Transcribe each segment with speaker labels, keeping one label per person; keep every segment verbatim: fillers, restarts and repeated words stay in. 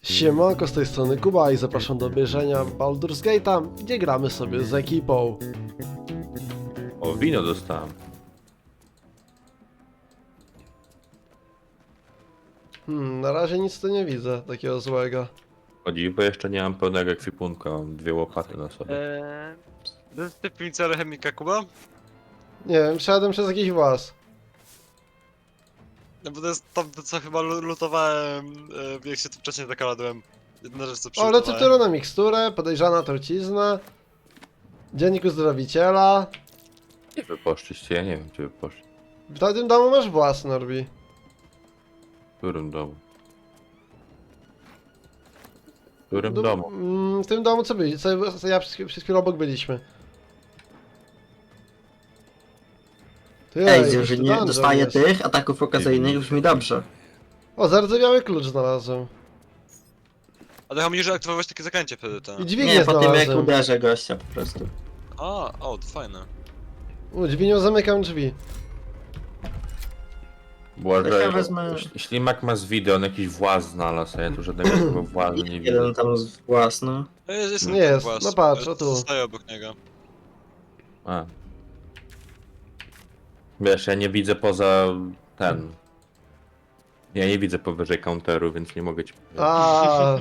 Speaker 1: Siemanko, z tej strony Kuba i zapraszam do obejrzenia Baldur's Gate'a, gdzie gramy sobie z ekipą.
Speaker 2: O, wino dostałem.
Speaker 1: Hmm, na razie nic tu nie widzę takiego złego.
Speaker 2: Chodzi, bo jeszcze nie mam pełnego ekwipunku, mam dwie łopaty na sobie.
Speaker 3: Eee, to jest ty piwnica alchemika, Kuba?
Speaker 1: Nie wiem, przeszedłem przez jakiś włas.
Speaker 3: No bo to jest to, co chyba lu- lutowałem, e, jak się tu wcześniej zakaladłem. Jedna rzecz, co
Speaker 1: O,
Speaker 3: przylutowałem.
Speaker 1: receptura na miksturę, podejrzana trucizna, dziennik uzdrowiciela.
Speaker 2: Gdzie wy poszliście? Ja nie wiem, gdzie wy poszli.
Speaker 1: W tym domu masz włas, Norbi.
Speaker 2: W którym domu? W którym
Speaker 1: Du-
Speaker 2: domu?
Speaker 1: mm, W tym domu co byli? Co, co ja przez, przez chwilę obok byliśmy. Ty,
Speaker 4: Ej,
Speaker 1: jakiś
Speaker 4: że
Speaker 1: tu
Speaker 4: nie
Speaker 1: dungeon
Speaker 4: dostaje
Speaker 1: jest.
Speaker 4: tych ataków okazyjnych, brzmi dobrze.
Speaker 1: O, zardzewiały klucz znalazłem.
Speaker 3: Ale chodzi mi, że aktywować takie zaklęcie wtedy, to.
Speaker 1: I dźwignię
Speaker 4: Nie, po tym jak
Speaker 1: znalazłem.
Speaker 4: uderzę gościa po prostu.
Speaker 3: A, o, to fajne.
Speaker 1: U, dźwignią zamykam drzwi.
Speaker 2: Błażej,
Speaker 4: ja wezmę-
Speaker 2: ślimak ma z wideo, on jakiś właz znalazł, a ja tu żadnego takiego włazu nie widzę.
Speaker 4: Jeden tam z własny.
Speaker 3: No jest, jest,
Speaker 1: Nie
Speaker 3: ten
Speaker 1: jest,
Speaker 3: włas,
Speaker 1: no patrz,
Speaker 3: e,
Speaker 1: o tu.
Speaker 3: Zostaję obok niego.
Speaker 2: A. Wiesz, ja nie widzę poza ten. Ja nie widzę powyżej counteru, więc nie mogę ci powiedzieć.
Speaker 1: A,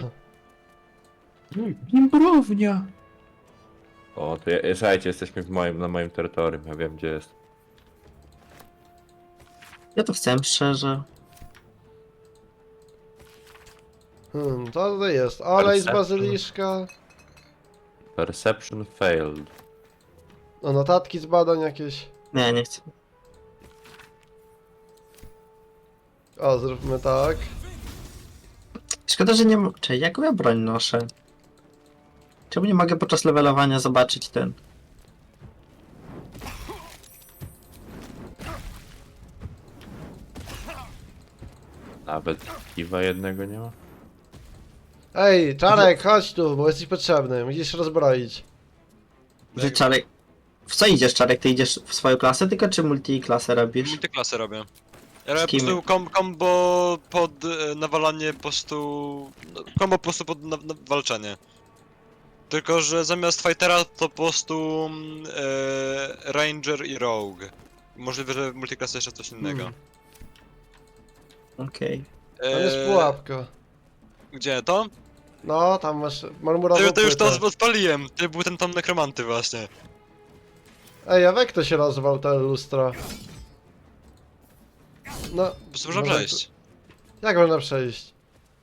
Speaker 2: Imbrownia! O, to ja, słuchajcie, jesteśmy w moim, na moim terytorium, ja wiem gdzie jest.
Speaker 4: Ja to chcę szczerze.
Speaker 1: hmm, co tutaj jest? Olej z
Speaker 2: Perception.
Speaker 1: bazyliszka.
Speaker 2: Perception failed.
Speaker 1: O, notatki z badań jakieś.
Speaker 4: Nie, nie chcę.
Speaker 1: O, zróbmy tak.
Speaker 4: Szkoda, że nie m- Czekaj, jaką ja broń noszę? Czemu nie mogę podczas levelowania zobaczyć ten?
Speaker 2: Nawet kiwa jednego nie ma?
Speaker 1: Ej, Czarek, chodź tu, bo jesteś potrzebny. Musisz się rozbroić.
Speaker 4: Że Czarek... W co idziesz, Czarek? Ty idziesz w swoją klasę tylko, czy multiklasę robisz?
Speaker 3: Multiklasy robię. Ja robię po
Speaker 4: kim?
Speaker 3: prostu kom combo pod e, nawalanie po prostu... No, combo po prostu pod na na walczenie. Tylko, że zamiast fightera to po prostu mm, e, ranger i rogue. Możliwe, że w multiklasy jeszcze coś innego.
Speaker 1: Hmm.
Speaker 4: Okej.
Speaker 1: Tam jest
Speaker 3: E,
Speaker 1: pułapka.
Speaker 3: Gdzie to?
Speaker 1: No, tam masz marmurową
Speaker 3: To, to już to
Speaker 1: płytę.
Speaker 3: odpaliłem. To był ten tam nekromanty właśnie.
Speaker 1: Ej, a jak to się rozwał, te lustro? No,
Speaker 3: Po prostu można
Speaker 1: Może
Speaker 3: przejść.
Speaker 1: jak można przejść?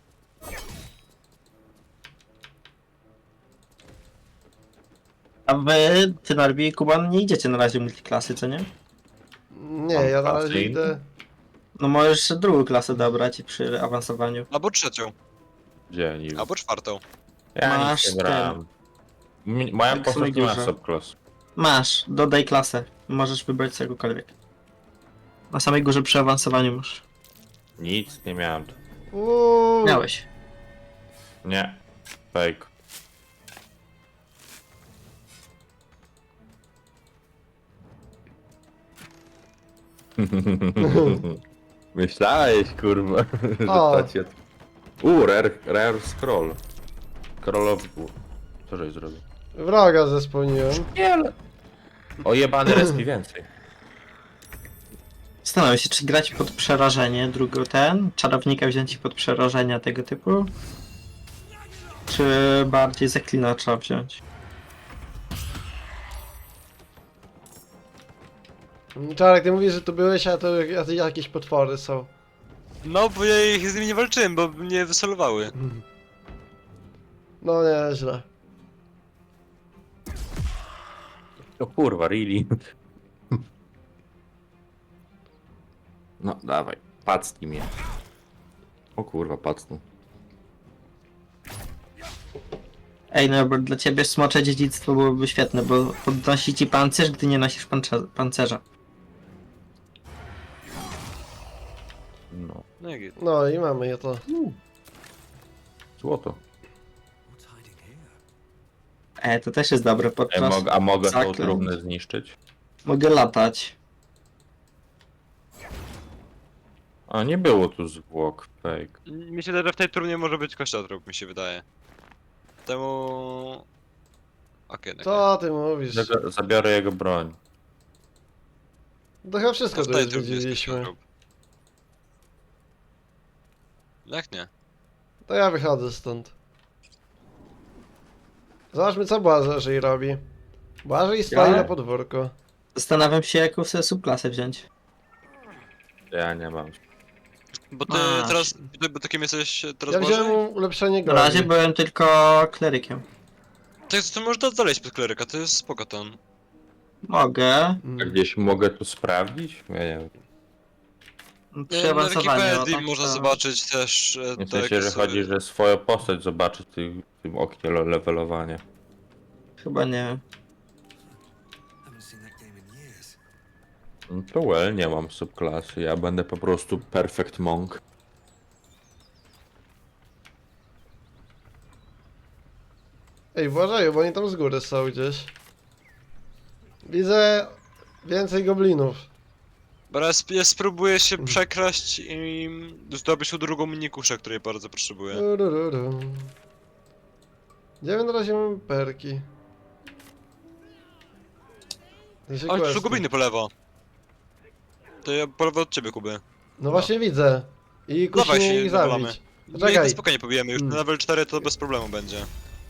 Speaker 4: A wy, ty Narbi i Kuban, nie idziecie na razie multiklasy, co nie?
Speaker 1: Nie,
Speaker 2: Mam
Speaker 1: ja na
Speaker 2: klasy
Speaker 1: razie
Speaker 2: inne.
Speaker 1: idę...
Speaker 4: No możesz drugą klasę dobrać przy awansowaniu.
Speaker 3: Albo trzecią,
Speaker 2: Gdzie nie
Speaker 3: albo czwartą.
Speaker 2: Ja
Speaker 4: Masz
Speaker 2: nic nie brałem. Mi- Moja
Speaker 4: Tak
Speaker 2: postać nie ma
Speaker 4: górze.
Speaker 2: subclass.
Speaker 4: Masz, dodaj klasę. Możesz wybrać z czegokolwiek. Na samej górze przy awansowaniu masz.
Speaker 2: Nic nie miałem.
Speaker 1: Uuu,
Speaker 4: Miałeś.
Speaker 2: Nie. Fake. Myślałeś, kurwa, że
Speaker 1: O.
Speaker 2: to cię... U, rare, rare scroll. Scrollowy... Co żeś zrobił?
Speaker 1: wroga zespełniłem.
Speaker 2: Nie, ale... O jebany respi więcej.
Speaker 4: Zastanawiam się, czy grać pod przerażenie, drugo ten, czarownika wziąć pod przerażenia tego typu, czy bardziej zaklinacza wziąć.
Speaker 1: Czarek, ty mówisz, że tu byłeś, a to jak- jakieś potwory są.
Speaker 3: No, bo ja ich z nimi nie walczyłem, bo mnie wysolowały.
Speaker 1: No nieźle.
Speaker 2: O kurwa, really? No, dawaj, pacnij mnie. O kurwa, pacnął.
Speaker 4: Ej, no bo dla ciebie smocze dziedzictwo byłoby świetne, bo podnosi ci pancerz, gdy nie nosisz pancze- pancerza.
Speaker 2: No,
Speaker 3: No jak jest.
Speaker 1: No i mamy je to.
Speaker 2: złoto.
Speaker 4: E, to też jest dobre
Speaker 2: Ej,
Speaker 4: podczas...
Speaker 2: mog a mogę tą
Speaker 4: zaklęć.
Speaker 2: trumnę zniszczyć?
Speaker 4: Mogę latać.
Speaker 2: A nie było tu zwłok, fake.
Speaker 3: Mi się wydaje, że w tej turnie może być kościotrup, mi się wydaje. Temu... Okej, okay,
Speaker 1: Co ty mówisz?
Speaker 2: Zaga- Zabiorę jego broń.
Speaker 1: To chyba wszystko
Speaker 3: w
Speaker 1: tu
Speaker 3: tej
Speaker 1: już
Speaker 3: turnie jest
Speaker 1: widzieliśmy.
Speaker 3: kościotrup. Jak nie?
Speaker 1: To ja wychodzę stąd. Zobaczmy co Błażej robi. Błażej stoi
Speaker 4: Ja?
Speaker 1: na podwórku.
Speaker 4: Zastanawiam się, jaką sobie subklasę wziąć.
Speaker 2: Ja nie mam.
Speaker 3: Bo ty
Speaker 4: Masz.
Speaker 3: teraz, ty, bo takim jesteś teraz
Speaker 1: Ja wziąłem
Speaker 3: Bożej?
Speaker 1: ulepszenie
Speaker 4: Na
Speaker 1: goli.
Speaker 4: razie byłem tylko klerykiem.
Speaker 3: Tak, to możesz dalej pod kleryka, to jest spoko ten.
Speaker 4: Mogę.
Speaker 2: A
Speaker 1: Mm.
Speaker 2: gdzieś mogę to sprawdzić? Ja nie wiem.
Speaker 4: Przy
Speaker 3: Na
Speaker 4: awansowaniu.
Speaker 3: Wikipedii
Speaker 4: tak
Speaker 3: można
Speaker 4: to-
Speaker 3: zobaczyć też e,
Speaker 2: W
Speaker 3: te
Speaker 2: sensie, że
Speaker 3: jakie
Speaker 2: chodzi,
Speaker 3: sobie-
Speaker 2: że swoją postać zobaczy w tym, w tym oknie le- levelowania.
Speaker 4: Chyba nie.
Speaker 5: Haven't seen that game in years.
Speaker 2: No to well, nie mam subklasy, ja będę po prostu perfect monk.
Speaker 1: Ej, Błażeju, bo oni tam z góry są gdzieś. Widzę więcej goblinów.
Speaker 3: Bo ja, sp ja spróbuję się
Speaker 1: Mhm.
Speaker 3: przekraść i zdobyć tu drugą minikuszę, której bardzo potrzebuję.
Speaker 1: Urururu. Gdzie my na razie mamy perki? Gdzie się
Speaker 3: Ale tu są
Speaker 1: questy?
Speaker 3: gobliny po lewo. To ja po lewo od ciebie, Kuby.
Speaker 1: No właśnie widzę. I kusi
Speaker 3: Dawaj
Speaker 1: mnie
Speaker 3: się
Speaker 1: ich
Speaker 3: nawalamy.
Speaker 1: zabić.
Speaker 3: My ich
Speaker 1: Czekaj.
Speaker 3: na spokojnie pobijemy, już
Speaker 1: Mm.
Speaker 3: na level cztery to bez problemu będzie.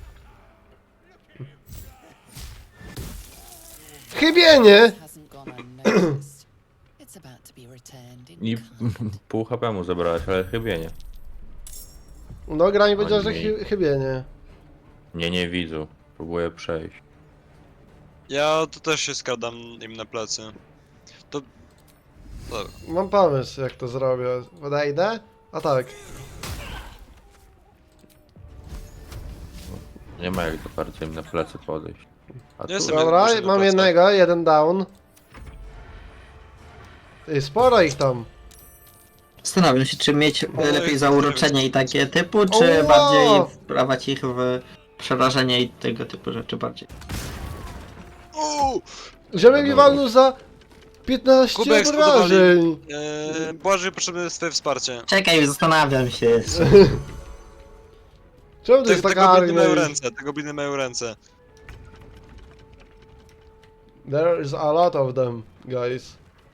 Speaker 1: Chybienie!
Speaker 6: Hasn't gone unnoticed. It's about to be returned in
Speaker 2: I
Speaker 6: kind.
Speaker 2: pół H P mu zabrałeś, ale chyba nie.
Speaker 1: No gra mi powiedziała, że
Speaker 2: nie.
Speaker 1: chy chybienie.
Speaker 2: Nie, nie widzę. Próbuję przejść.
Speaker 3: Ja tu też się skradam im na plecy. To... Dobra.
Speaker 1: Mam pomysł jak to zrobię. Podejdę? A tak.
Speaker 2: Nie ma jak do bardzo im na plecy podejść. A tu...
Speaker 3: Jestem-
Speaker 1: Dobra,
Speaker 3: muszę na
Speaker 1: mam
Speaker 3: plecach.
Speaker 1: jednego, jeden down. Ej, sporo ich tam.
Speaker 4: Zastanawiam się, czy mieć
Speaker 3: Oj,
Speaker 4: lepiej zauroczenie i takie typu, czy
Speaker 1: Oła!
Speaker 4: bardziej wprawać ich w przerażenie i tego typu rzeczy bardziej.
Speaker 3: Uuu!
Speaker 1: Ziomek mi
Speaker 2: Dobra.
Speaker 1: walnął za piętnaście
Speaker 3: Kubek
Speaker 1: obrażeń.
Speaker 3: Eee, Błażej, potrzebne jest twoje wsparcie.
Speaker 4: Czekaj, zastanawiam się jeszcze.
Speaker 1: Czemu to
Speaker 3: Te,
Speaker 1: jest
Speaker 3: te
Speaker 1: taka
Speaker 3: gobliny mają
Speaker 1: armia?
Speaker 3: ręce, te gobliny mają ręce.
Speaker 1: There is a lot of them, guys.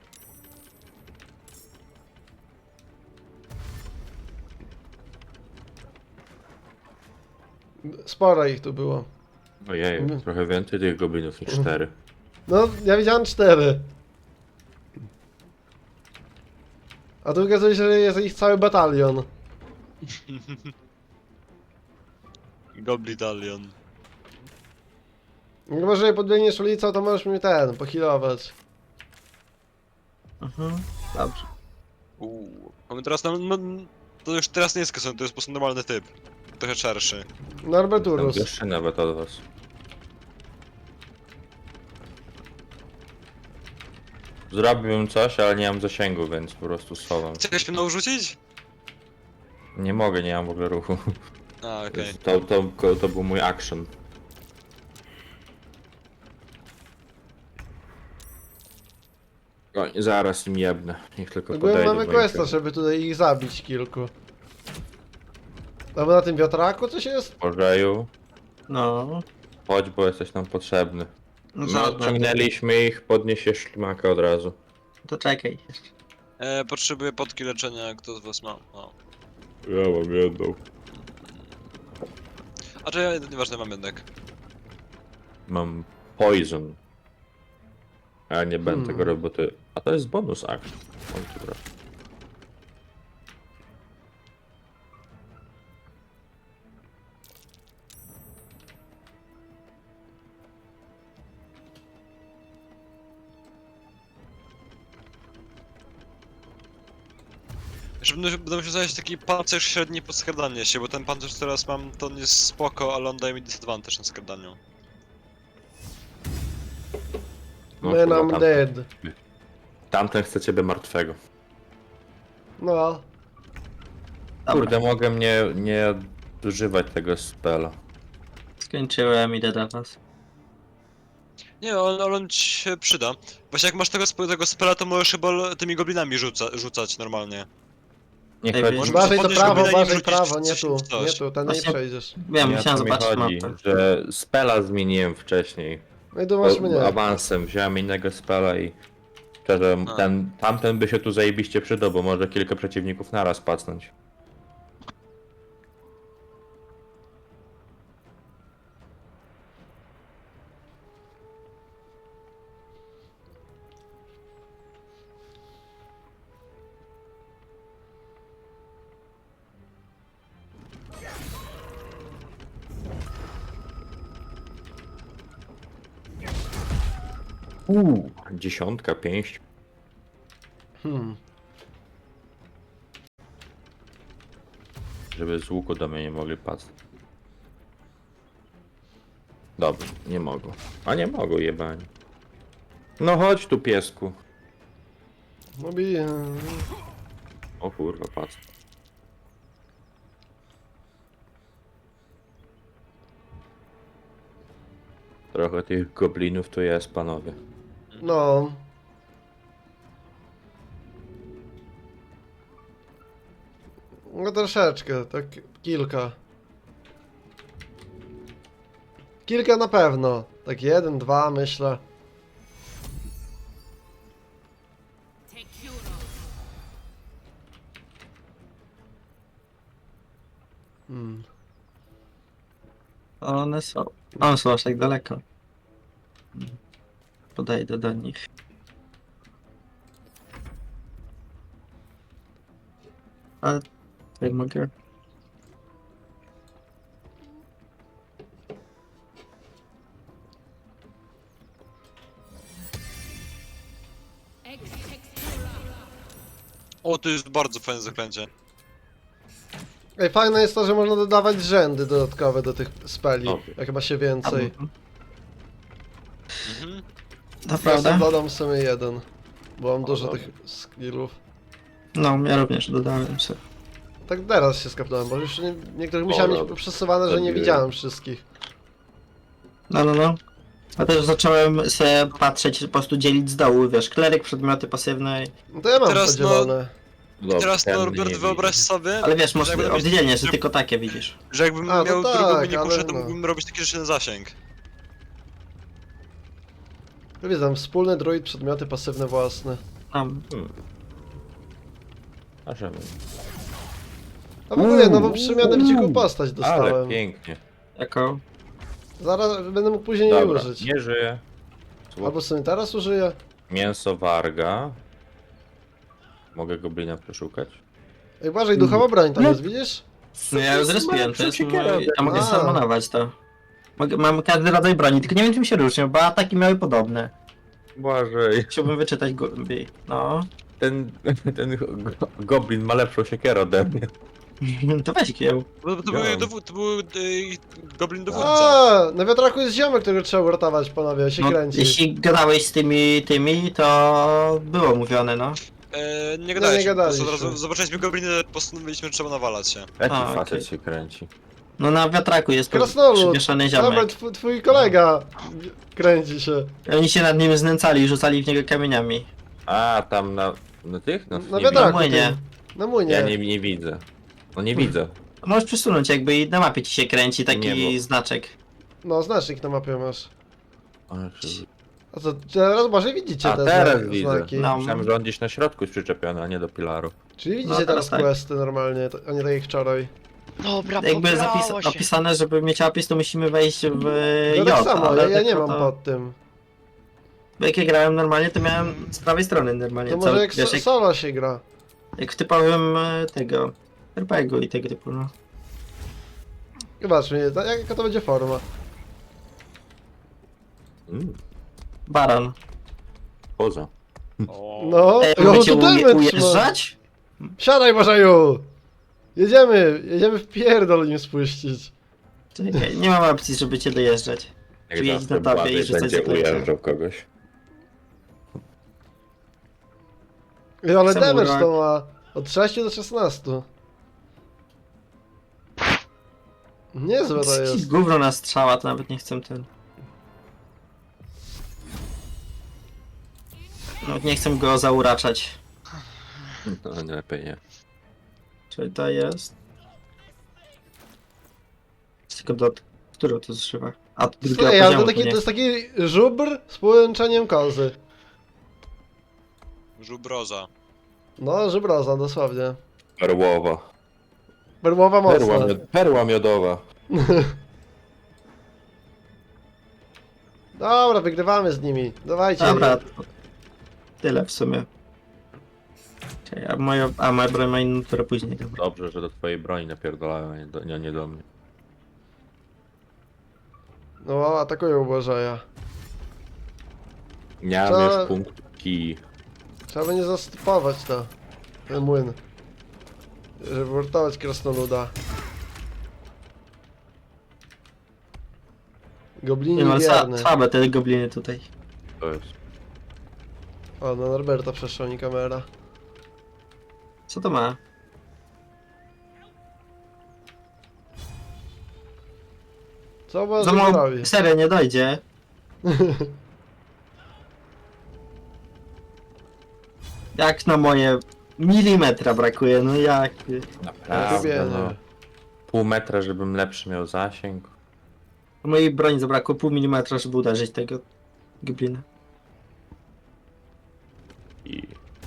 Speaker 1: Sporo ich tu było.
Speaker 2: Ojej,
Speaker 1: Mm.
Speaker 2: trochę więcej tych goblinów niż cztery.
Speaker 1: No, ja widziałem cztery. A tu okazuje się, że jest ich cały batalion.
Speaker 3: Goblitalion.
Speaker 1: Chyba, że podbiegniesz ulicą, to możesz mnie ten, pohealować.
Speaker 4: Mhm. Dobrze.
Speaker 3: Uuu. Mamy teraz, no, no, to już teraz nie jest kason, to jest po prostu normalny typ. Trochę szerszy.
Speaker 1: Norberturus.
Speaker 2: Wyższy nawet od was. Zrobiłbym coś, ale nie mam zasięgu, więc po prostu schowam.
Speaker 3: Chcesz mnie rzucić?
Speaker 2: Nie mogę, nie mam w ogóle ruchu.
Speaker 3: A, okej.
Speaker 2: To, to, to, to był mój action. Oj, zaraz im jebnę. Niech tylko
Speaker 1: Ogólnie
Speaker 2: podejdą.
Speaker 1: mamy
Speaker 2: do
Speaker 1: questa,
Speaker 2: nich.
Speaker 1: żeby tutaj ich zabić kilku. Albo na tym wiatraku coś jest?
Speaker 2: Bożeju,
Speaker 4: No.
Speaker 2: chodź, bo jesteś nam potrzebny.
Speaker 4: No
Speaker 2: No,
Speaker 4: żadne.
Speaker 2: odciągnęliśmy ich, podniesie ślimaka od razu.
Speaker 4: To czekaj.
Speaker 3: E, potrzebuję podki leczenia, kto z was ma? O.
Speaker 2: Ja mam jedną.
Speaker 3: A czy ja, nieważne, mam jednak.
Speaker 2: Mam poison. A nie będę
Speaker 1: Hmm.
Speaker 2: tego robił, bo ty... A to jest bonus action. Mam tu brać.
Speaker 3: Jeszcze będę, będę musiał znaleźć taki pancerz średni pod skradanie się, bo ten pancerz, który teraz mam, to on jest spoko, ale on daje mi disadvantage na skradaniu.
Speaker 2: No,
Speaker 1: Man,
Speaker 2: kurwa,
Speaker 1: I'm
Speaker 2: tamten-
Speaker 1: dead.
Speaker 2: Tamten chce ciebie martwego.
Speaker 1: No.
Speaker 2: Kurde, mogę mnie nie używać tego spela.
Speaker 4: Skończyłem, idę do was.
Speaker 3: Nie, on, ale on ci się przyda. Właśnie jak masz tego, sp- tego spela, to możesz chyba l- tymi goblinami rzuca, rzucać normalnie.
Speaker 2: Nie
Speaker 4: Ej,
Speaker 2: chodzi,
Speaker 4: może
Speaker 1: Uważaj to
Speaker 3: podnieść
Speaker 1: prawo,
Speaker 3: goblina i
Speaker 1: uważaj
Speaker 3: wrzucić
Speaker 1: prawo, nie
Speaker 3: coś
Speaker 1: tu,
Speaker 3: w coś.
Speaker 1: nie tu, ten nie
Speaker 4: Właśnie-
Speaker 1: przejdziesz.
Speaker 4: Wiem,
Speaker 2: nie o
Speaker 4: musiałem
Speaker 2: to mi
Speaker 4: zobaczyć
Speaker 2: chodzi,
Speaker 4: mapę.
Speaker 2: że spela zmieniłem wcześniej.
Speaker 1: No i tu masz mnie.
Speaker 2: O, awansem wziąłem innego spela i szczerze,
Speaker 3: A.
Speaker 2: ten, tamten by się tu zajebiście przydał, bo może kilka przeciwników naraz pacnąć. Uuu, dziesiątka, pięść.
Speaker 1: Hmm.
Speaker 2: Żeby z łuku do mnie nie mogli patrzeć. Dobrze, nie mogą. A nie mogą, jebani. No chodź tu, piesku.
Speaker 1: No bije.
Speaker 2: O kurwa, patrz. Trochę tych goblinów tu jest, panowie.
Speaker 1: No. No troszeczkę, tak kilka. Kilka na pewno. Tak jeden, dwa myślę. Hmm.
Speaker 4: One są. One są aż tak daleko. Podejdę do nich. Ale tutaj mogę.
Speaker 3: O, to jest bardzo fajne zaklęcie.
Speaker 1: Ej, fajne jest to, że można dodawać rzędy dodatkowe do tych speli.
Speaker 2: Okej.
Speaker 1: Jak ma się więcej.
Speaker 3: Mhm.
Speaker 4: To
Speaker 1: Ja
Speaker 4: prawda?
Speaker 1: sobie dodam w sumie jeden. Bo mam
Speaker 2: O,
Speaker 1: dużo
Speaker 2: dobra.
Speaker 1: tych skillów.
Speaker 4: No, ja również dodałem sobie.
Speaker 1: Tak teraz się skapnąłem, bo już nie, niektórych
Speaker 2: O,
Speaker 1: musiałem mieć
Speaker 2: dobra.
Speaker 1: przesuwane, że nie
Speaker 2: Zabiłem.
Speaker 1: widziałem wszystkich.
Speaker 4: No, no, no. A też zacząłem sobie patrzeć, po prostu dzielić z dołu, wiesz, kleryk, przedmioty pasywne.
Speaker 1: No to ja mam
Speaker 3: Teraz, no-
Speaker 1: podzielone.
Speaker 2: Dobrze,
Speaker 3: Teraz
Speaker 2: ten
Speaker 3: Norbert,
Speaker 2: nie
Speaker 3: wyobraź
Speaker 2: widzi.
Speaker 3: sobie,
Speaker 4: Ale wiesz, masz
Speaker 3: że jakbym,
Speaker 4: oddzielnie, że tylko takie widzisz.
Speaker 3: że jakbym
Speaker 1: A, to
Speaker 3: miał
Speaker 1: tak,
Speaker 3: drugą minikuszę,
Speaker 1: ale
Speaker 3: to
Speaker 1: no.
Speaker 3: mógłbym robić taki rzeczy na zasięg.
Speaker 1: Widzę, tam wspólny druid, przedmioty pasywne własne.
Speaker 4: Tam.
Speaker 2: Hmm. A żeby.
Speaker 1: A w ogóle nową przemianę w dziką postać
Speaker 2: Ale
Speaker 1: dostałem.
Speaker 2: pięknie.
Speaker 4: Jako.
Speaker 1: Zaraz będę mógł później jej
Speaker 2: Dobra,
Speaker 1: użyć.
Speaker 2: nie żyje.
Speaker 1: Albo sobie teraz użyję.
Speaker 2: Mięso warga. Mogę goblina przeszukać?
Speaker 1: Ej, uważaj, duchowa broń tam jest, widzisz?
Speaker 4: No ja już zrespiłem, to jest
Speaker 2: siekierę
Speaker 4: mój... Ja mogę
Speaker 1: A.
Speaker 4: samonować to. Mogę, mam każdy rodzaj broni, tylko nie wiem czym się różnią, bo ataki miały podobne.
Speaker 2: Błażej.
Speaker 4: Chciałbym wyczytać głębiej. No.
Speaker 2: Ten, ten go- goblin ma lepszą siekierę ode mnie.
Speaker 4: To weź kieł.
Speaker 3: To, to,
Speaker 2: Ja.
Speaker 3: był, dowód, to był y, goblin dowódca.
Speaker 1: A, na wiatraku jest ziomek, którego trzeba uratować, panowie, się
Speaker 4: No,
Speaker 1: kręci.
Speaker 4: jeśli gadałeś z tymi, tymi, to było mówione, no.
Speaker 3: E, nie
Speaker 1: nie
Speaker 3: gadaliśmy, po prostu
Speaker 1: gadaliśmy.
Speaker 3: od razu zobaczyliśmy gobliny, postanowiliśmy, że trzeba nawalać się.
Speaker 2: Jaki
Speaker 4: A,
Speaker 2: facet
Speaker 4: okej.
Speaker 2: się kręci?
Speaker 4: No na wiatraku jest to
Speaker 1: Krasnolud!
Speaker 4: przywieszony
Speaker 1: Dobra,
Speaker 4: ziomek.
Speaker 1: twój, twój kolega kręci się.
Speaker 4: Oni się nad nim znęcali i rzucali w niego kamieniami.
Speaker 2: A, tam na, na tych? No,
Speaker 1: Na
Speaker 2: nie
Speaker 4: Na
Speaker 1: wiatraku
Speaker 4: młynie.
Speaker 1: tym. Na młynie.
Speaker 2: Ja nie, nie widzę. No nie widzę.
Speaker 4: Możesz przesunąć jakby i na mapie ci się kręci taki
Speaker 2: Nie, bo-
Speaker 4: znaczek.
Speaker 1: No, znacznik na mapie masz.
Speaker 2: Ale czy-
Speaker 1: A co, teraz może widzicie
Speaker 2: A
Speaker 1: te
Speaker 2: teraz
Speaker 1: zna-
Speaker 2: widzę.
Speaker 1: znaki.
Speaker 4: No.
Speaker 2: Myślałem, że on gdzieś na środku jest przyczepiony, a nie do pilaru.
Speaker 1: Czyli widzicie
Speaker 4: No,
Speaker 1: teraz
Speaker 4: teraz tak.
Speaker 1: questy normalnie, to- a nie tak jak wczoraj.
Speaker 7: Dobra,
Speaker 4: Jakby
Speaker 7: pobrało
Speaker 4: zapis
Speaker 7: się.
Speaker 4: opisane, żeby mieć opis, to musimy wejść w
Speaker 1: No
Speaker 4: J,
Speaker 1: tak samo,
Speaker 4: ale
Speaker 1: ja, ja nie
Speaker 4: tylko
Speaker 1: mam
Speaker 4: to...
Speaker 1: pod tym.
Speaker 4: Bo jak ja grałem normalnie, to miałem z prawej strony normalnie.
Speaker 1: To
Speaker 4: co-
Speaker 1: może jak,
Speaker 4: wiesz,
Speaker 1: so,
Speaker 4: jak,
Speaker 1: solo się gra.
Speaker 4: jak w typowym e, tego er pe gie u i tego typu, no.
Speaker 1: Zobacz mnie, ta- jaka to będzie forma.
Speaker 2: Mm,
Speaker 4: Baron.
Speaker 2: poza.
Speaker 1: No,
Speaker 4: Ej,
Speaker 1: no
Speaker 4: będziecie
Speaker 1: to
Speaker 4: uje,
Speaker 1: damage ma.
Speaker 4: ujeżdżać?
Speaker 1: Siadaj, Bożaju! Jedziemy, jedziemy w pierdol nim spuścić.
Speaker 4: Czekaj, nie mam opcji, żeby cię dojeżdżać.
Speaker 2: Jak
Speaker 4: Czy jeźdź
Speaker 2: zawsze
Speaker 4: na tobie
Speaker 2: Błażej
Speaker 4: i rzucać
Speaker 2: będzie
Speaker 4: zaklęcia.
Speaker 2: ujeżdżał kogoś.
Speaker 1: Ej, ale
Speaker 4: Samurai.
Speaker 1: damage to ma od sześciu do szesnastu. Niezłe to jest.
Speaker 4: Gówno na strzała, to nawet nie chcę ten. Nawet nie chcę go zauraczać.
Speaker 2: No nie, lepiej nie.
Speaker 4: Czyli to jest... Z tylko do... Którego to zszywa? A, do drugiego
Speaker 1: Słuchaj, ale
Speaker 4: poziomu
Speaker 1: to, taki,
Speaker 4: nie.
Speaker 1: to jest taki żubr z połączeniem kozy.
Speaker 3: Żubroza.
Speaker 1: No, żubroza, dosłownie.
Speaker 2: Perłowa.
Speaker 1: Perłowa
Speaker 2: Perła,
Speaker 1: mocna.
Speaker 2: miod perła miodowa.
Speaker 1: Dobra, wygrywamy z nimi. Dawajcie.
Speaker 4: Dobra, to tyle w sumie. Czekaj, A moja, a moja broń ma inną turę później. Dobra.
Speaker 2: Dobrze, że do twojej broni napierdalają, a nie do, nie, nie do mnie.
Speaker 1: No, atakują Bożeja.
Speaker 2: Nie mam
Speaker 1: Co?
Speaker 2: już punktu kij.
Speaker 1: Trzeba będzie zastopować to. Ten młyn. Żeby uratować krasnoluda. Goblini
Speaker 4: Nie no, sła-
Speaker 1: wierny.
Speaker 4: słabe te gobliny tutaj.
Speaker 2: To jest.
Speaker 1: O, no Norberta przeszła mi kamera.
Speaker 4: Co to ma?
Speaker 1: Co
Speaker 4: Za
Speaker 1: Boże
Speaker 4: mało
Speaker 1: zrobi?
Speaker 4: serio nie dojdzie. Jak na moje milimetra brakuje, no jak?
Speaker 2: Naprawdę,
Speaker 1: Lubię,
Speaker 2: no.
Speaker 1: nie.
Speaker 2: Pół metra, żebym lepszy miał zasięg.
Speaker 4: Mojej broni zabrakło pół milimetra, żeby uderzyć tego goblina.
Speaker 2: I...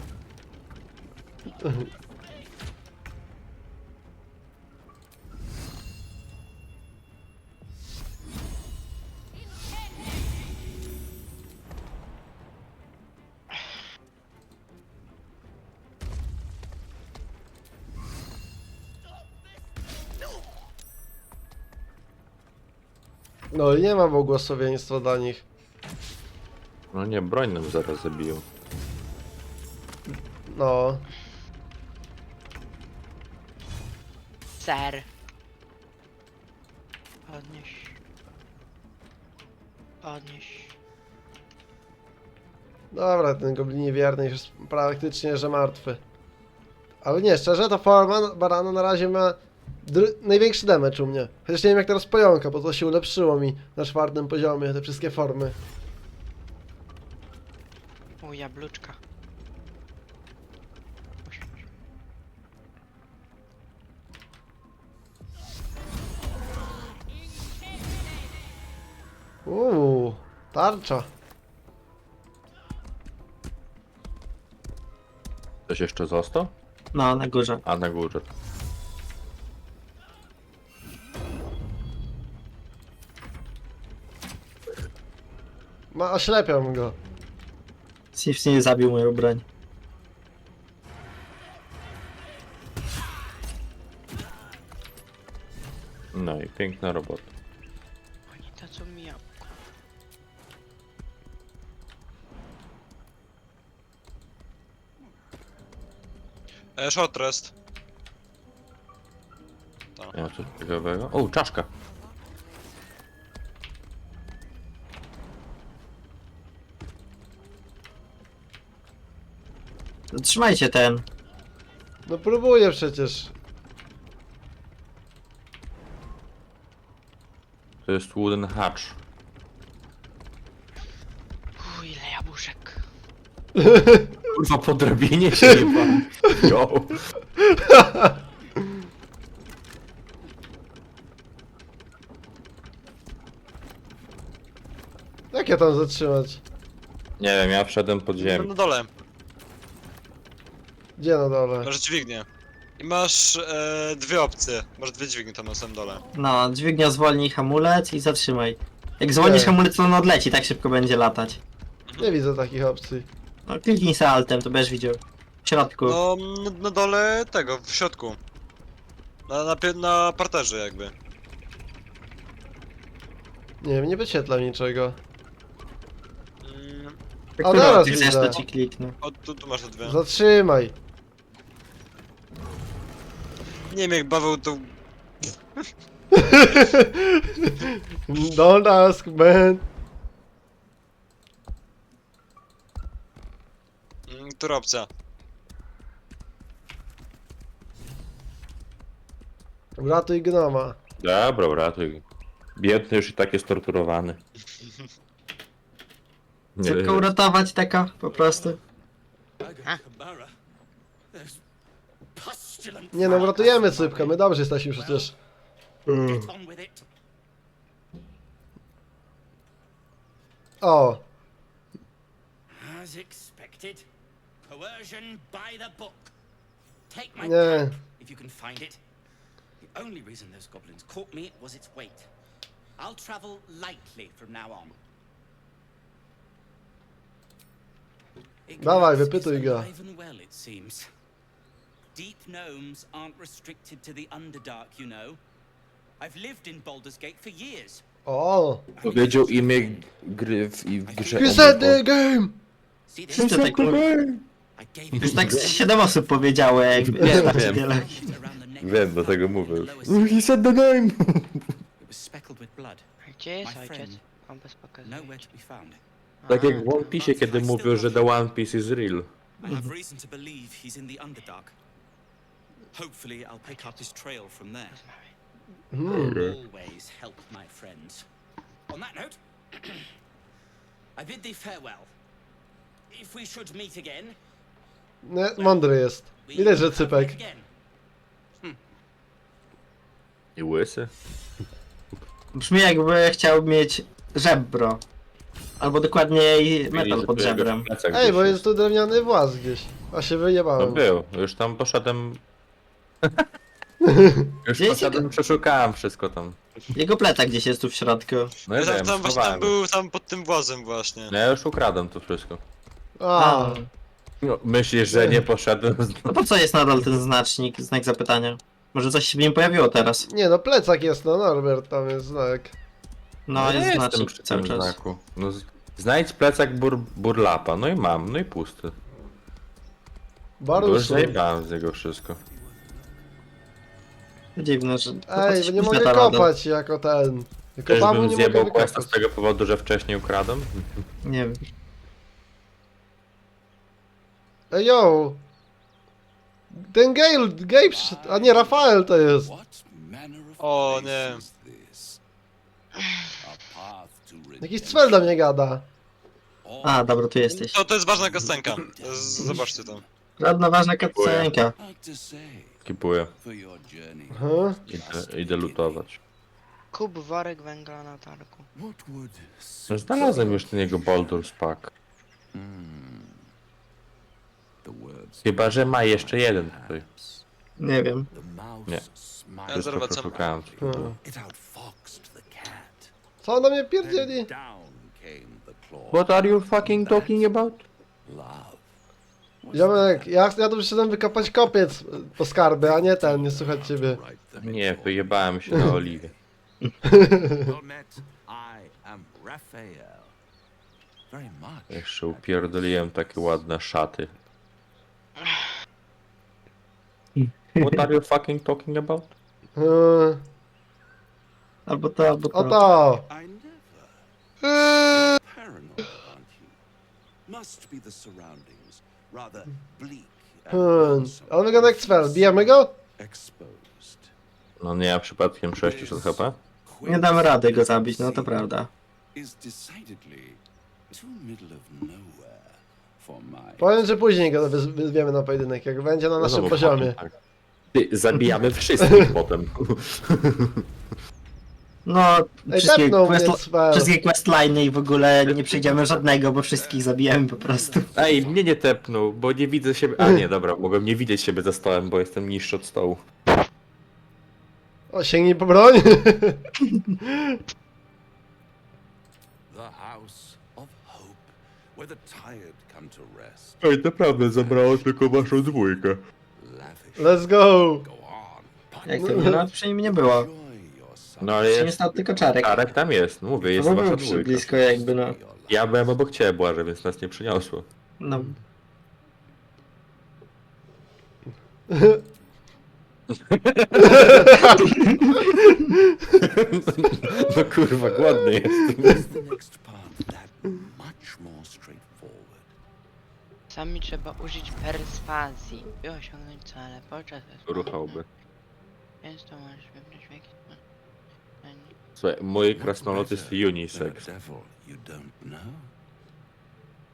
Speaker 1: No i nie ma błogosławieństwa dla nich.
Speaker 2: No nie, broń nam zaraz zabiją.
Speaker 1: No.
Speaker 7: Ser. Podnieś. Podnieś.
Speaker 1: Dobra, ten goblin wierny już jest praktycznie, że martwy. Ale nie, szczerze, ta forma barana na razie ma dr- największy damage u mnie. Chociaż nie wiem jak teraz pojąka, bo to się ulepszyło mi na czwartym poziomie, te wszystkie formy.
Speaker 7: U jabluczka. Usiądź.
Speaker 1: Uuu, tarcza.
Speaker 2: Ktoś jeszcze został?
Speaker 4: No, na górze.
Speaker 2: A na górze.
Speaker 1: Ma, oślepiam go.
Speaker 4: Sif nie zabił moją broń.
Speaker 2: No i piękna robota.
Speaker 7: Oni to co mi jabłko.
Speaker 3: E, short rest.
Speaker 2: Nie ma coś ciekawego. O, czaszka!
Speaker 4: Trzymajcie ten.
Speaker 1: No próbuję przecież.
Speaker 2: To jest wooden hatch.
Speaker 7: Uuu, ile jabłuszek.
Speaker 2: Kurwa, po drabinie się nie pan. Yo.
Speaker 1: Jak ja tam zatrzymać?
Speaker 2: Nie wiem, ja wszedłem pod
Speaker 3: No,
Speaker 2: ziemię.
Speaker 3: na dole.
Speaker 1: Gdzie na dole?
Speaker 3: Masz dźwignię. I masz e, dwie opcje. Masz dwie dźwignie tam na samym dole.
Speaker 4: No, dźwignia zwolnij hamulec i zatrzymaj. Jak zwolnisz
Speaker 1: Okej.
Speaker 4: hamulec, to on odleci, tak szybko będzie latać.
Speaker 1: Nie widzę takich opcji.
Speaker 4: No, kliknij se altem, to będziesz widział. W środku.
Speaker 3: No, na, na dole tego, w środku. Na, na, pie- na parterze jakby.
Speaker 1: Nie wiem, nie wyświetla niczego.
Speaker 3: Mm,
Speaker 4: Jak
Speaker 1: a
Speaker 4: ty
Speaker 1: teraz
Speaker 4: ty chcesz,
Speaker 1: widzę.
Speaker 4: to ci kliknę.
Speaker 3: o, tu, tu masz te dwie.
Speaker 1: Zatrzymaj.
Speaker 3: Nie wiem jak Paweł to...
Speaker 1: Don't ask, man.
Speaker 3: Mm, która opcja?
Speaker 1: Uratuj gnoma.
Speaker 2: Dobra, ratuj. Biedny już i tak jest torturowany. Nie,
Speaker 4: Tylko uratować taka, po prostu.
Speaker 5: I got Kamara. There's pus
Speaker 8: vigilant.
Speaker 1: Nie no, uratujemy Sypkę, my dobrze jesteśmy przecież.
Speaker 8: Get on with it.
Speaker 1: O,
Speaker 8: As expected, coercion by the book. Take my
Speaker 1: Nie.
Speaker 8: pipe if you can find it. The only reason those goblins caught me was its weight. I'll travel lightly from now on.
Speaker 1: Dawaj,
Speaker 8: Ignorance
Speaker 1: wypytuj
Speaker 8: is
Speaker 1: go.
Speaker 8: alive and well, it seems. Deep gnomes aren't restricted to the Underdark, you know. I've lived in Baldur's Gate for years.
Speaker 1: o.
Speaker 2: Powiedział imię gry w, i w grze.
Speaker 1: You said the game!
Speaker 8: See this?
Speaker 4: Wszyscy tak,
Speaker 8: I gave it
Speaker 4: już tak z siedem osób powiedziało, jak
Speaker 2: Wiem,
Speaker 4: bardziej
Speaker 2: wiem.
Speaker 4: wiele.
Speaker 8: around the neck.
Speaker 2: Wiem, dlatego mówię już.
Speaker 8: Lower
Speaker 2: He said the name!
Speaker 8: It was speckled with blood.
Speaker 7: A gdzie jest
Speaker 8: My
Speaker 7: ojciec?
Speaker 8: friend.
Speaker 7: On bez pokazuje.
Speaker 8: Nowhere to be found.
Speaker 2: Tak jak
Speaker 7: Aha.
Speaker 2: w One Piece, kiedy mówił, że the One Piece is real.
Speaker 8: I have reason to believe he's in the Underdark. Hopefully, I'll pick up his trail from there.
Speaker 1: Hmm.
Speaker 8: Always help my friends. On that note, I bid thee farewell. If we should meet again,
Speaker 1: Nie, mądry jest.
Speaker 8: we
Speaker 1: Widać, że
Speaker 8: have
Speaker 1: Cypek.
Speaker 8: met again.
Speaker 2: I łysy.
Speaker 4: Brzmi jakby chciał mieć żebro. Albo dokładniej metal
Speaker 2: Mieli,
Speaker 4: pod
Speaker 2: że tu jego
Speaker 4: żebrem.
Speaker 2: plecak
Speaker 1: Ej,
Speaker 2: gdzieś
Speaker 1: bo jest tu drewniany włas gdzieś. A się
Speaker 2: No
Speaker 1: wyjebałem.
Speaker 2: był, już tam poszedłem... Już
Speaker 4: Gdzieś
Speaker 2: poszedłem, przeszukałem wszystko tam.
Speaker 4: Jego plecak gdzieś jest tu w środku.
Speaker 2: No ja
Speaker 3: Tam,
Speaker 2: wiem,
Speaker 3: tam, właśnie, tam
Speaker 2: schowałem.
Speaker 3: był tam pod tym włazem właśnie.
Speaker 2: No ja już ukradłem to wszystko.
Speaker 1: A,
Speaker 4: A,
Speaker 2: No, myślisz, że nie poszedłem?
Speaker 4: no po co jest nadal ten znacznik, znak zapytania? Może coś się w nim pojawiło teraz?
Speaker 1: nie no, plecak jest, no Norbert, tam jest znak.
Speaker 4: No,
Speaker 2: ja
Speaker 4: jest
Speaker 2: jestem
Speaker 4: znacznik
Speaker 2: przy
Speaker 4: cały
Speaker 2: tym
Speaker 4: czas.
Speaker 2: znaku. No, z- znajdź plecak bur, burlapa, no i mam, no i pusty. Bo już
Speaker 1: Baruszu.
Speaker 2: zajebałem z niego wszystko.
Speaker 4: Dziwne, że... to
Speaker 1: Ej,
Speaker 4: coś
Speaker 1: bo nie
Speaker 4: późno
Speaker 1: mogę
Speaker 4: ta rada.
Speaker 1: kopać jako ten. Jako
Speaker 2: Też
Speaker 1: babu
Speaker 2: bym
Speaker 1: nie mogę
Speaker 2: zjebał questa z
Speaker 1: wykopać.
Speaker 2: tego powodu, że wcześniej ukradłem?
Speaker 4: Nie wiem.
Speaker 1: Ej, yo! Ten Gale, Gabe przyszedł, a nie, Rafael to jest.
Speaker 5: What manner of
Speaker 3: O,
Speaker 5: place
Speaker 3: nie.
Speaker 5: is this? A path to
Speaker 1: Jakiś
Speaker 5: redemption.
Speaker 1: cwel do mnie gada.
Speaker 4: A, dobra, tu jesteś.
Speaker 3: To, to jest ważna kastenka. Z- Zobaczcie to.
Speaker 4: Żadna ważna cutscenka.
Speaker 5: Hard to say
Speaker 2: Skipuję.
Speaker 5: for your journey.
Speaker 1: Aha.
Speaker 2: Idę, idę lutować.
Speaker 7: Kup worek węgla na targu.
Speaker 5: What would
Speaker 2: No, znalazłem już ten jego Baldur's Pack.
Speaker 5: the words
Speaker 2: Chyba, że ma jeszcze jeden tutaj.
Speaker 4: Nie wiem.
Speaker 5: the mouse
Speaker 2: Nie.
Speaker 5: smiled.
Speaker 3: Ja
Speaker 2: Wszystko
Speaker 3: zobaczę.
Speaker 2: przeszukałem.
Speaker 1: Hmm.
Speaker 5: It outfoxed the cat.
Speaker 1: Co on do mnie pierdzieli?
Speaker 5: And down came the claw.
Speaker 2: What are you fucking talking about?
Speaker 5: Love.
Speaker 1: Ziomek, ja, ja tu przyszedłem wykopać kopiec po skarby, a nie ten, nie słuchać ciebie.
Speaker 5: Right the
Speaker 2: Nie, wyjebałem się na oliwie.
Speaker 5: Well met. I am Raphael. Very much.
Speaker 2: Jeszcze upierdoliłem takie ładne szaty. What are you fucking talking about?
Speaker 1: Yy,
Speaker 4: Albo to, albo
Speaker 1: o
Speaker 4: to.
Speaker 1: to!
Speaker 5: I never.
Speaker 1: Yy,
Speaker 5: Paranoid, aren't you? Must be the surroundings. Rather bleak and
Speaker 1: hmm.
Speaker 5: lonesome.
Speaker 1: Ale wygląda jak cwel, bijemy go?
Speaker 5: Exposed.
Speaker 2: No nie, ja przypadkiem sześćset H P?
Speaker 4: Nie damy rady go zabić, no to prawda.
Speaker 5: Is decidedly too middle of nowhere for my.
Speaker 1: Powiem, że później go wyz- wyzwiemy na pojedynek, jak będzie na
Speaker 2: No
Speaker 1: naszym
Speaker 2: znowu
Speaker 1: poziomie.
Speaker 2: potem, tak. Ty, zabijamy wszystkich potem.
Speaker 4: No,
Speaker 1: Ej,
Speaker 4: wszystkie,
Speaker 1: tepnął mnie
Speaker 4: quest,
Speaker 1: cwel.
Speaker 4: wszystkie questline'y i w ogóle nie przejdziemy żadnego, bo wszystkich zabijemy po prostu.
Speaker 2: Ej, mnie nie tepnął, bo nie widzę siebie... A nie, dobra, mogłem nie widzieć siebie za stołem, bo jestem niższy od stołu.
Speaker 1: O, sięgnij po broń!
Speaker 5: The house of hope, where the tired come to rest.
Speaker 2: Ej, naprawdę zabrało tylko waszą dwójkę.
Speaker 5: Lavish.
Speaker 1: Let's go!
Speaker 5: Go on.
Speaker 4: Jak to nie, no, przy nim nie było.
Speaker 5: Enjoy yourself.
Speaker 2: No ale
Speaker 4: Przy nim
Speaker 2: jest...
Speaker 4: stał tylko czarek.
Speaker 2: Czarek tam jest, no mówię, jest
Speaker 4: No bo
Speaker 2: wasza
Speaker 4: był przy
Speaker 2: dwójka.
Speaker 4: blisko jakby, no.
Speaker 2: Ja byłem obok ciebie, Błażej, więc nas nie przyniosło.
Speaker 4: No.
Speaker 2: No kurwa, głodny jestem.
Speaker 5: Is the next path that much more straightforward?
Speaker 7: Sami trzeba użyć perswazji, by osiągnąć cele podczas
Speaker 2: Ruchałby.
Speaker 7: Więc to możesz wybrać w jaki sposób.
Speaker 2: Słuchaj, mój
Speaker 5: What
Speaker 2: krasnolud jest
Speaker 5: better than
Speaker 2: unisex.
Speaker 5: a devil you don't know?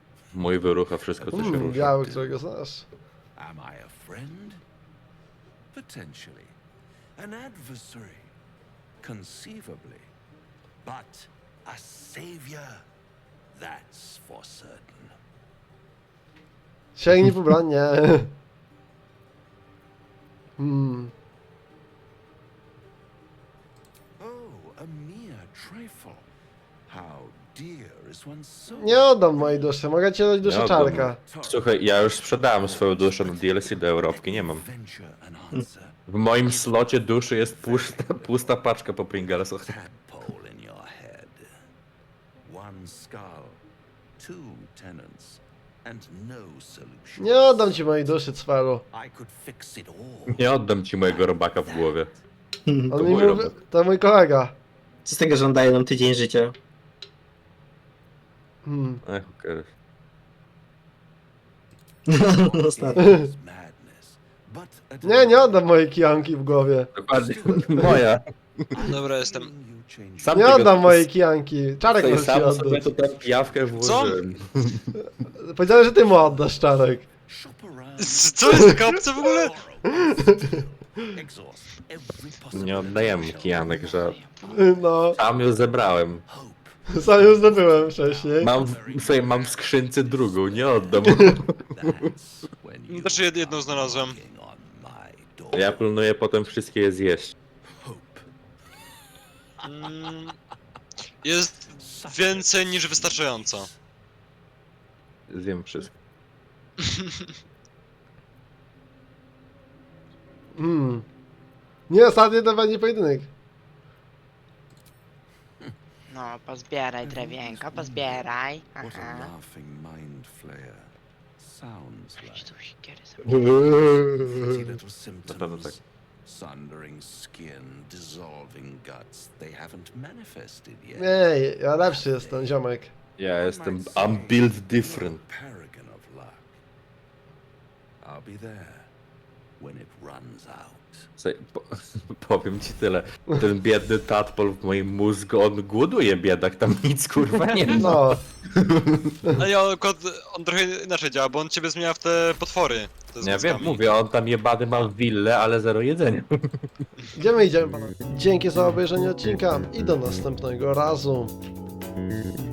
Speaker 2: Mój wyrucha wszystko, co się
Speaker 1: Mm,
Speaker 2: rusza.
Speaker 1: biały, którego znasz.
Speaker 5: Am I a friend Potentially. An adversary. Conceivably. But a savior. That's for certain.
Speaker 1: Sięgnij po broń, nie. Hmm.
Speaker 5: Oh, a mere trifle. How dear is one's soul.
Speaker 1: Nie oddam mojej duszy, mogę ci dać duszę
Speaker 2: Nie oddam.
Speaker 1: czarka.
Speaker 2: Słuchaj, ja już sprzedałem swoją duszę na D L C do Europki, nie mam.
Speaker 5: Venture an answer.
Speaker 2: W moim slocie duszy jest pusta, pusta paczka po Pringlesach.
Speaker 5: Tadpole in your head. One skull, two tenants, and no solution.
Speaker 1: Nie oddam ci mojej duszy, cwaru.
Speaker 5: I could fix it all.
Speaker 2: Nie oddam ci mojego robaka w głowie.
Speaker 1: On mi
Speaker 2: mój
Speaker 1: mówi,
Speaker 2: robak.
Speaker 1: to mój kolega.
Speaker 4: Co z tego, że on daje nam tydzień życia?
Speaker 1: Hmm.
Speaker 2: Ech, okej.
Speaker 4: Ostatnio.
Speaker 5: It is madness, but a
Speaker 1: Nie, nie oddam mojej kijanki w głowie.
Speaker 2: Dokładnie. Moja.
Speaker 3: Dobra, jestem.
Speaker 5: You change
Speaker 2: Sam
Speaker 1: Nie
Speaker 2: tego-
Speaker 1: oddam mojej kijanki. Czarek
Speaker 2: Tutaj
Speaker 1: może ci
Speaker 2: sam sobie
Speaker 1: oddać.
Speaker 2: tu tę pijawkę włożyłem.
Speaker 1: Powiedziałem, że ty mu oddasz, Czarek.
Speaker 5: shop around.
Speaker 3: Co jest taka opcja w ogóle?
Speaker 5: Exhaust every possible
Speaker 2: Nie oddajemy kijanek, że
Speaker 1: No,
Speaker 2: sam ją zebrałem.
Speaker 5: hope.
Speaker 1: sam już zdobyłem wcześniej.
Speaker 2: Mam, w- sobie mam w skrzynce drugą, nie oddam.
Speaker 5: That's when you
Speaker 3: Znaczy jed- jedną znalazłem.
Speaker 5: knocking on my door.
Speaker 2: Ja planuję potem wszystkie je zjeść.
Speaker 5: Hope.
Speaker 3: Mm, jest więcej niż wystarczająco.
Speaker 2: Zjem wszystko.
Speaker 1: Hmm. Nie, ostatnio to będzie pojedynek.
Speaker 7: No, pozbieraj drewienko, pozbieraj.
Speaker 5: What a
Speaker 7: Aha.
Speaker 5: laughing mind flayer. Sounds
Speaker 7: Idź
Speaker 5: like
Speaker 7: tu siekierę sobie.
Speaker 5: pretty little
Speaker 2: Na pewno tak.
Speaker 5: symptoms. Sundering skin, dissolving guts. They haven't manifested yet.
Speaker 1: Nie, ja lepszy jestem, ziomek.
Speaker 2: Ja jestem... I'm built different.
Speaker 5: Paragon of luck. I'll be there when it runs out.
Speaker 2: Słuchaj, po, powiem ci tyle. Ten biedny tadpol w moim mózgu, on głoduje, biedak, tam nic kurwa nie ma.
Speaker 1: No,
Speaker 3: A ja akurat, on trochę inaczej działa, bo on ciebie zmienia w te potwory. Te z
Speaker 2: Ja wiem,
Speaker 3: mózgami.
Speaker 2: mówię, on tam jebany ma willę, ale zero jedzenia.
Speaker 1: idziemy, idziemy, panowie. Dzięki za obejrzenie odcinka i do następnego razu.